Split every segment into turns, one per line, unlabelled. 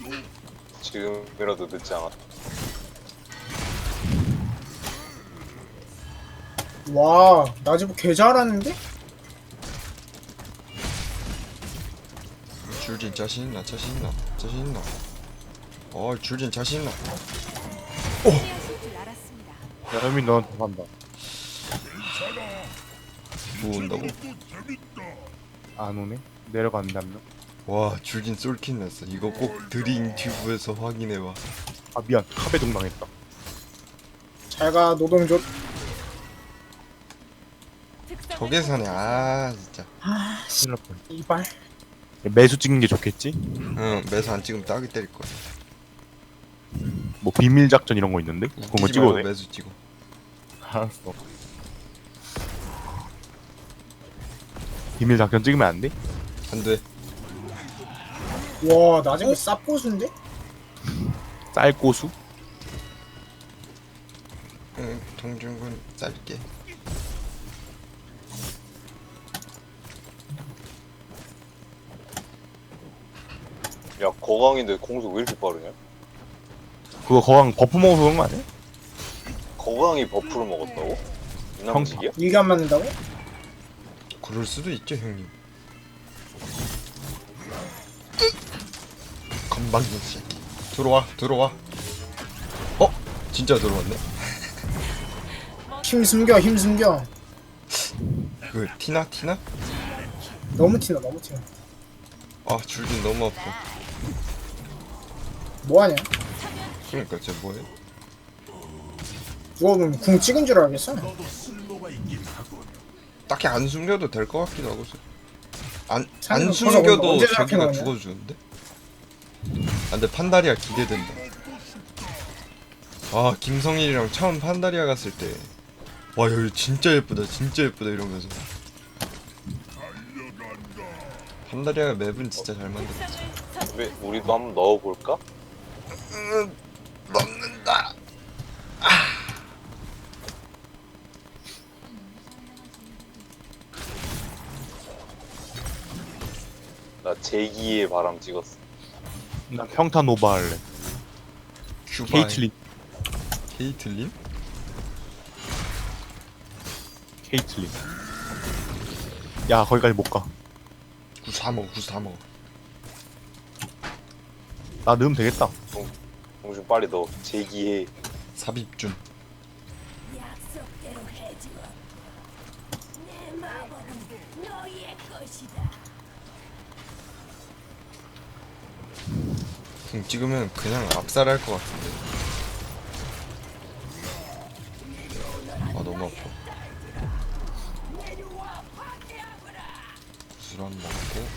지금이라도 늦지 않았다.
와, 나지부 개 잘하는데?
줄진 자신 있나? 자신 있나? 자신 있나? 줄진 자신 있나?
피하실 줄 알았습니다.
야, 현민 너한테 간다.
뭐 온다고?
안 오네? 내려갔는데 한 명?
와, 줄진 솔킬 났어. 이거 꼭 드링 튜브에서 확인해봐.
아 미안, 카베 동당했다.
잘가 노동조.
특성을
저계산에 진짜.
아, 씨,
큰일 날 뻔.
이발.
매수 찍는 게 좋겠지?
응, 매수 안 찍으면 따기 때릴 거야.
뭐 비밀 작전 이런 거 있는데? 그런 거
웃기지
찍어도
말고
돼?
매수 찍어.
알았어. 비밀 작전 찍으면 안 돼?
안 돼.
와, 나지부 쌉고수인데?
쌀고수?
응, 정준군 쌀게.
야, 거강인데 공속 왜 이렇게 빠르냐?
그거 거강 버프 먹어서 그런 거 아니야?
거강이 버프를 먹었다고? 이남직이야?
이게 안 맞는다고?
그럴 수도 있죠, 형님. 건방진 새끼. 들어와. 진짜 들어왔네.
힘 숨겨, 힘 숨겨.
그 티나?
너무 티나, 너무 티나.
줄진 너무 아파.
뭐하냐?
그러니까 쟤 뭐해?
누가 보면 궁 찍은 줄 알겠어.
딱히 안 숨겨도 될 것 같기도 하고. 안
상관-
숨겨도
언제
자기가
생각해보냐?
죽어주는데? 근데 판다리아 기대된다. 김성일이랑 처음 판다리아 갔을 때 와, 여기 진짜 예쁘다 이러면서. 판다리아 맵은 진짜 잘 만들었지.
왜 우리도 한번 넣어볼까?
넣는다.
나 제기의 바람 찍었어.
나 평타 노바 할래. 케이틀린.
케이틀린?
케이틀린. 야, 거기까지 못 가.
구스 다 먹어.
나 넣으면 되겠다.
공중 빨리 넣어. 제기의
삽입준.
약속대로 해주어. 내 마법은 너희의 것이다.
궁 찍으면 그냥 압살할 것 같은데. 너무 아파. 구슬 한 먹고.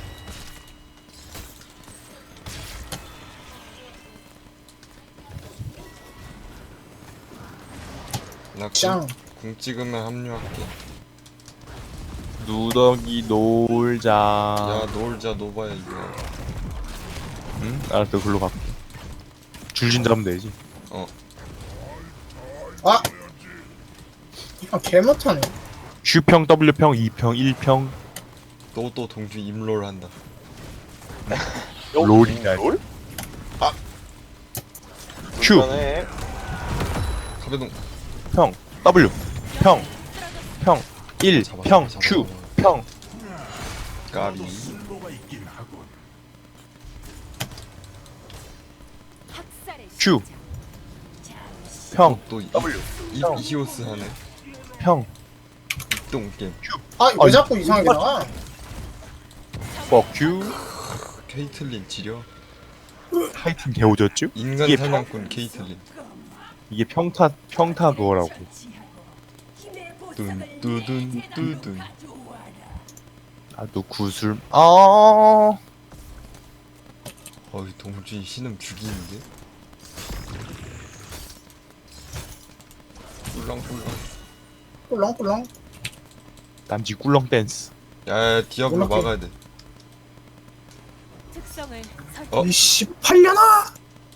나
짱.
궁 찍으면 합류할게.
누더기 놀자.
야, 놀자 노바야 이거.
응? 알았어, 글로 갈게. 줄진 잡으면 되지.
아! 이거 개 못하네.
Q평, W평, 2평, 1평.
또 동주 임롤 한다.
롤이다.
롤?
Q.
불편해.
카베동.
평, W, 평, 평, 1,
잡아,
평,
잡아,
Q,
잡아.
평.
까비.
학살의
Q,
시작.
평,
또
W, 형.
이히오스 하네.
평.
똥 게임.
아, 왜
아니,
자꾸 이상하게 나와?
Fuck you.
케이틀린 지려.
하이틴 개오졌죠?
인간
이게
사냥꾼 케이틀린.
이게 평타 그거라고.
힘의 보상을
뚠뚜둔 뚜둔.
가져와라.
나도 구슬.
어이, 동준이 신음 죽이는데? 꿀렁꿀렁.
꿀렁꿀렁.
남지 꿀렁 댄스.
야, 디아블로
이렇게.
막아야 돼.
특성을 설정.
어?
이씨, 8년아!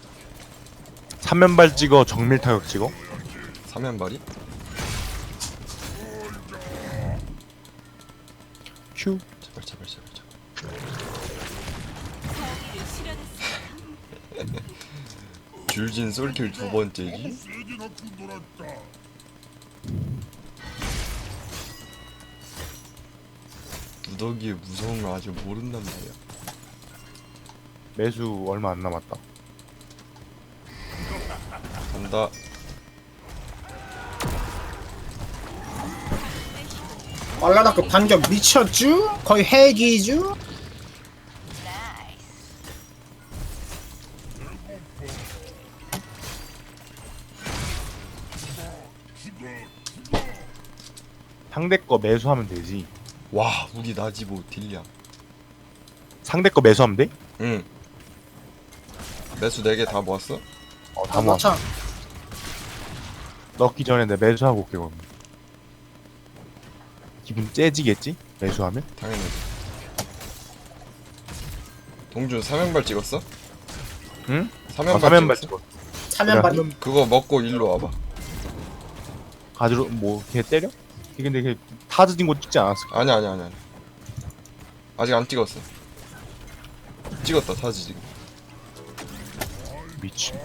3면발 찍어, 정밀 타격 찍어.
사면발이?
Q.
제발.
정의를 실현했습니다.
줄진 솔킬 두 번째지. 누더기의 무서운 걸 아직 모른단 말이야.
매수 얼마 안 남았다.
간다.
발라라크 반격 미쳤쥬? 거의 핵이쥬?
상대 거 매수하면 되지.
와 우리 나지보 딜량.
상대 거 매수하면 돼?
응. 매수 4개 다 모았어?
다 모아.
맞아.
넣기 전에 내 매수하고 올게 그럼. 기분 째지겠지? 매수하면?
당연히. 동준 3연발 찍었어?
응?
3연발
3연발
찍었어?
찍어.
사면발이.
그거 먹고 일로 와봐.
가지로 걔 때려? 근데 걔 타즈진 거 찍지 않았어.
아니야. 아직 안 찍었어. 찍었다 사지 지금.
미친.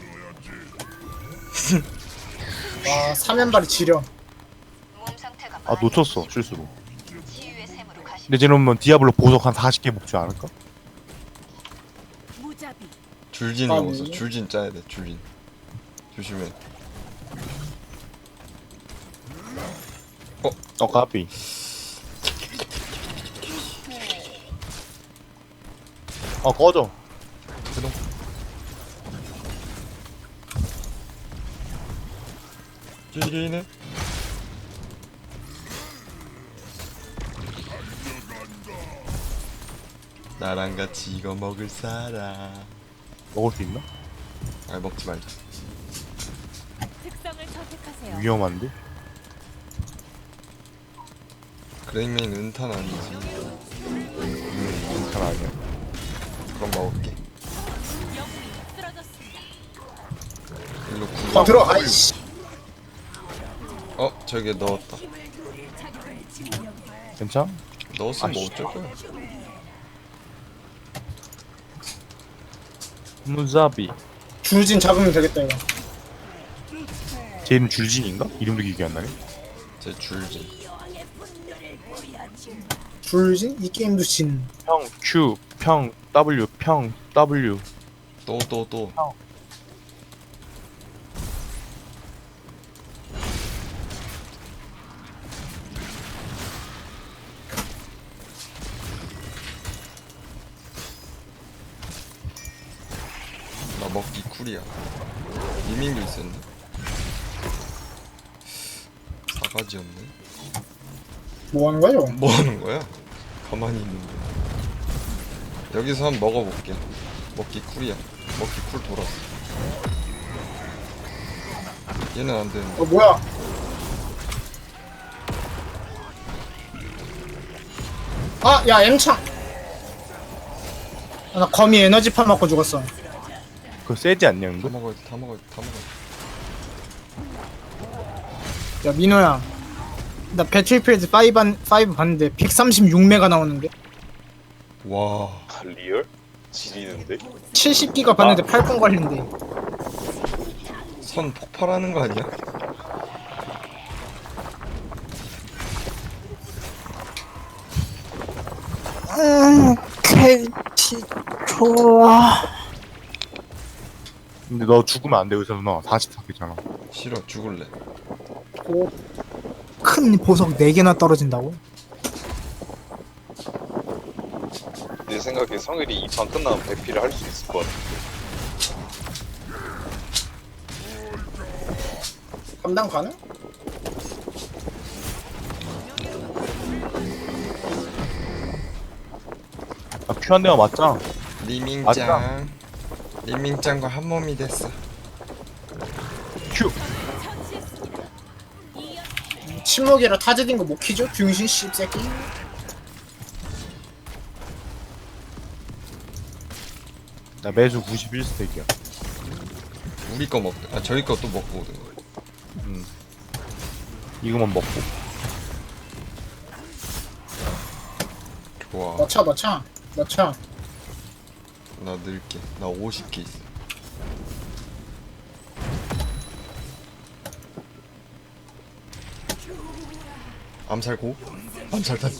와, 사면발이 지려.
아 놓쳤어 실수로. 근데 쟤는 디아블로 보석 한 40개 먹지 않을까?
무자비.
줄진
아,
먹었어.
네.
줄진 짜야 돼. 줄진. 조심해.
까비. 꺼져.
해동. 찌리네. 나랑 같이 이거 먹을 사람.
먹을 수 있나?
아 먹지 말자.
특성을 선택하세요.
위험한데?
그레이맨 은탄 아니지.
괜찮아 아니야.
그럼 먹을게.
영웅이 쓰러졌습니다.
일로 구.
더 들어, 아이씨.
저기에 넣었다.
괜찮아?
넣었으면 뭐
아이씨.
어쩔 거야.
무자비.
줄진 잡으면 되겠다, 이거.
쟤 이름 줄진인가? 이름도 기억이 안 나네.
제 줄진.
줄진? 이 게임도 진.
평 Q 평 W 평 W.
또. 나 먹기 쿨이야. 리밍도 있었네. 사가지 없네.
뭐 하는 거야, 저거?
뭐 하는 거야? 가만히 있는데. 여기서 한번 먹어볼게. 먹기 쿨이야. 먹기 쿨 돌았어. 얘는 안 되는데.
뭐야? 아, 야, M창! 아, 나 거미 에너지판 맞고 죽었어.
그거 세지 않냐
다
이거?
먹어야 돼. 다 먹어야 돼. 다 먹어야 돼.
야, 민호야. 나 배틀필드 5 봤는데 136메가 나오는데?
와.
리얼? 지리는데?
70기가 봤는데 8분 걸린대.
선 폭발하는 거 아니야?
KT 좋아.
근데 너 죽으면 안 돼 의사 누나. 44개잖아.
싫어. 죽을래.
큰 보석 4개나 떨어진다고?
내 생각에 성일이 이 판 끝나면 배피를 할 수 있을 것 같아.
감당 가능?
나 Q 한 대만 맞자.
리밍짱. 리밍짱과 한 몸이 됐어.
Q.
처치했습니다. 이연
침묵이라 타즈딘 거 못 키죠? 병신 씹새끼.
나 매주 91스택이야.
우리 거 먹. 저희 거 또 먹고 오는 거야.
이거만 먹고.
좋아.
넣자.
나 넣을게. 나 50개 있어. 암살고 암살탄.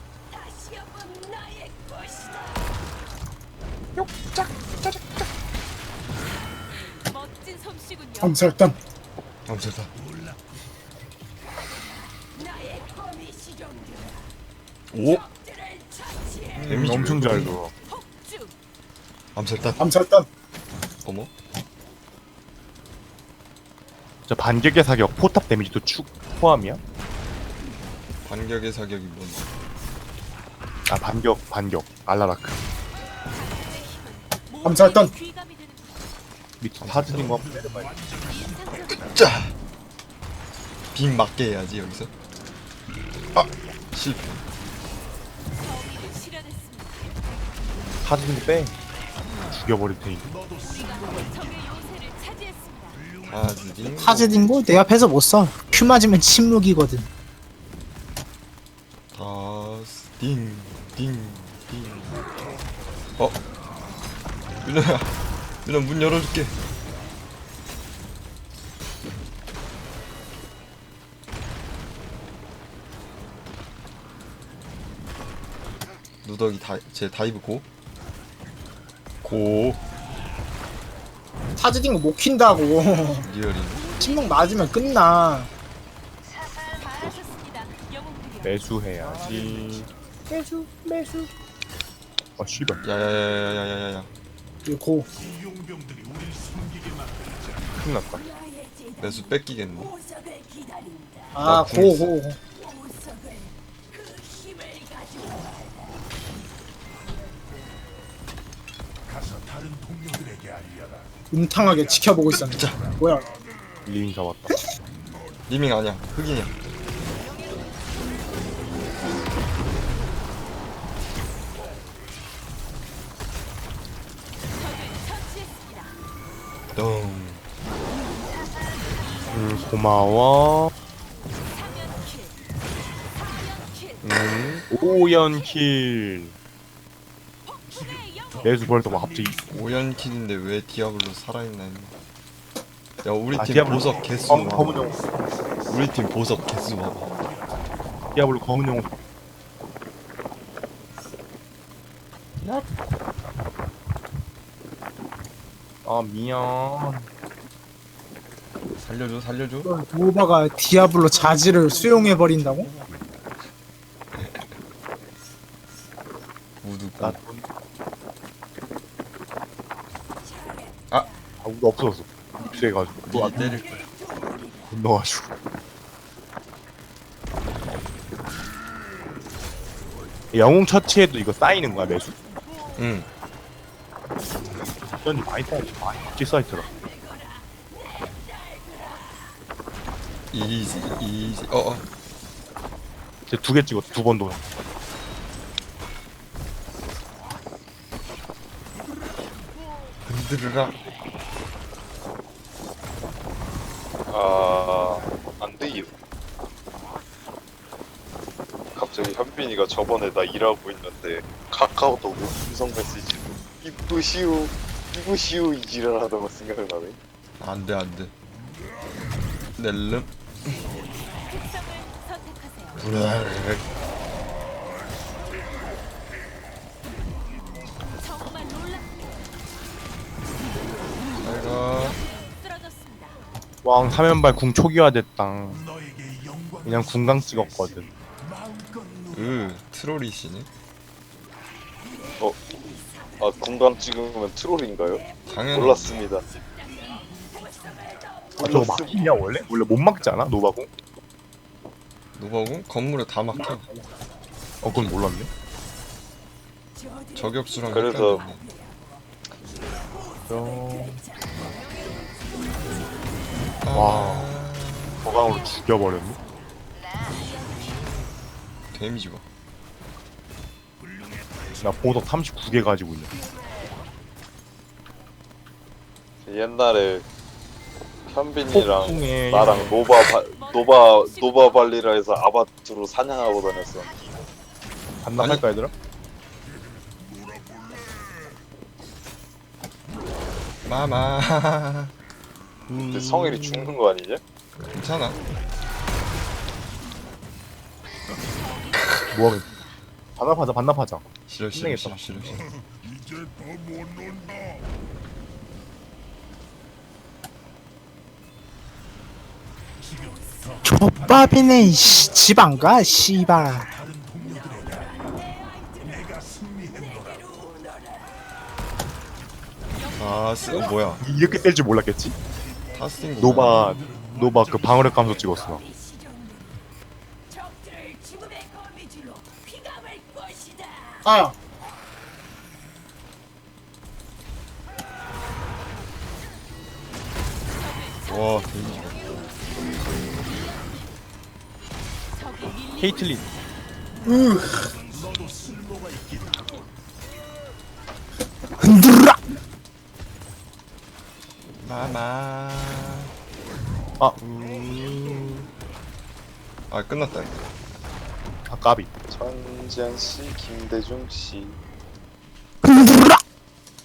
멋진 솜씨군요.
암살단.
암살탄. 오 데미지
엄청 잘 들어.
폭주.
암살탄.
암살단.
어머
저 반격의 사격 포탑 데미지도 축 포함이야?
반격의 사격이 뭔데?
아 반격 알라라크
암살단.
귀감이 되는
밑에 사진인 거 한번 내려봐야
자! 빙 맞게 해야지 여기서. 아! 실패.
범위를 실현했습니다.
사진 빼 죽여버릴 테니.
우리가 적의 요새를 차지했습니다.
하즈딩.
타즈딩고 내 앞에서 못 써. 큐 맞으면 침묵이거든.
다스 딩. 어? 윤아야 윤아 문 열어줄게. 누더기 제 다이브 고
타즈딩고 못 킨다고.
리얼인.
침묵 맞으면 끝나.
잘하셨습니다. 영웅들이여.
매수해야지. 매수. 아 씨발.
야야야야야야야.
고.
큰일 났다.
매수 뺏기겠네.
아, 고. 음탕하게 지켜보고 있었네. 뭐야?
리밍 잡았다.
리밍 아니야 흑인이야.
적을 처치했습니다.
덩.
고마워.
3연킬.
5연킬.
폭풍의 영웅.
매수 벌써 막 갑자기.
오연킬인데 왜 디아블로 살아있나 했네. 야 우리 팀
디아블로
보석 개수
검은
봐봐.
용.
우리 팀 보석 개수 봐봐.
디아블로 검은 용. 아 미안.
살려줘.
노바가 디아블로 자질을 수용해 버린다고?
우두고.
나
아!
우도 없어졌어. 입수해가지고.
니 때릴 거야.
건너가지고. 영웅 처치해도 이거 쌓이는 거야 매수?
응.
전이 많이 쌓이지. 많이 박지 사이트라.
이지.
제 2개 찍었어. 2번 도.
흔들으라.
안 돼요. 갑자기 현빈이가 저번에 나 일하고 있는데 카카오톡 음성 메시지로 이쁘시오 이 지랄하다가 생각나네.
안돼. 넬름.
특성을 선택하세요.
브라르르.
정말 놀랍습니다.
잘가.
쓰러졌습니다.
왕 3연발 궁 초기화됐다. 그냥 궁강 찍었거든.
트롤이시네.
공감 찍으면 트롤인가요?
당연히.
몰랐습니다.
아 저거 막히냐 원래? 원래 못 막지 않아? 노바궁?
노바공? 건물에 다 막혀.
그건 몰랐네.
저격수랑
그래서-
헷갈리네.
와. 거강으로 죽여버렸네.
데미지 봐.
나 보석 39개 가지고 있네.
옛날에 현빈이랑
폭풍에
나랑 노바 발리라에서 아바투로 사냥하고 다녔어.
반납할까 얘들아?
마마.
근데 성일이 죽는 거 아니냐?
괜찮아.
뭐하면 반납하자 반납하자.
싫어 싫어
힘내겠다.
싫어 싫어.
족밥이네 이씨 집 안가 씨발.
뭐야?
이렇게 셀 줄 몰랐겠지?
타스팅
노바 그 방어력 감소 찍었어.
아
와 데미지.
적이 밀리
케이틀린.
흔들라.
마마.
아.
아 끝났다 이거.
아 까비.
전지현 씨, 김대중 씨.